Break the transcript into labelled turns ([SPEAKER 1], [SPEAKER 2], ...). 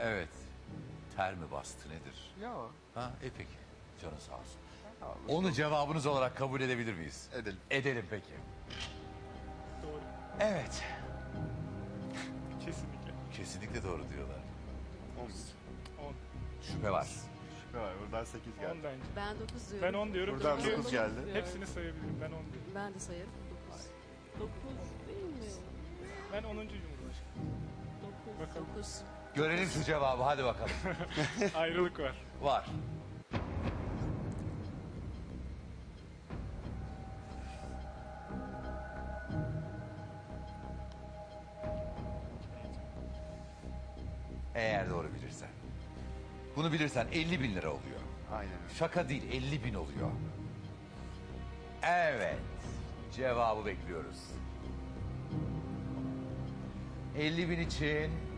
[SPEAKER 1] Evet. Ter mi bastı nedir?
[SPEAKER 2] Yok.
[SPEAKER 1] Ha, peki. Canın sağ olsun.
[SPEAKER 2] Tamam.
[SPEAKER 1] Onu cevabınız olarak kabul edebilir miyiz?
[SPEAKER 2] Edelim.
[SPEAKER 1] Edelim peki.
[SPEAKER 3] Doğru.
[SPEAKER 1] Evet.
[SPEAKER 3] Kesinlikle.
[SPEAKER 1] Kesinlikle doğru diyorlar.
[SPEAKER 3] 10.
[SPEAKER 1] Şüphe var.
[SPEAKER 2] Şüphe var. Buradan 8
[SPEAKER 3] 10
[SPEAKER 2] geldi.
[SPEAKER 3] bence.
[SPEAKER 4] Ben 9 diyorum.
[SPEAKER 3] Ben 10 diyorum.
[SPEAKER 2] Buradan
[SPEAKER 3] çünkü
[SPEAKER 2] 9 geldi.
[SPEAKER 3] hepsini sayabilirim. Ben 10 diyorum.
[SPEAKER 4] Ben de sayarım. 9.
[SPEAKER 5] 9 değil mi?
[SPEAKER 3] Ben 10. Cumhurbaşkanı.
[SPEAKER 5] 9.
[SPEAKER 3] Bakalım.
[SPEAKER 4] 9.
[SPEAKER 1] Görelim şu cevabı, hadi bakalım.
[SPEAKER 3] Ayrılık var.
[SPEAKER 1] Var. Eğer doğru bilirsen. Bunu bilirsen 50 bin lira oluyor.
[SPEAKER 2] Aynen öyle.
[SPEAKER 1] Şaka değil, 50 bin oluyor. Evet. Cevabı bekliyoruz. 50 bin için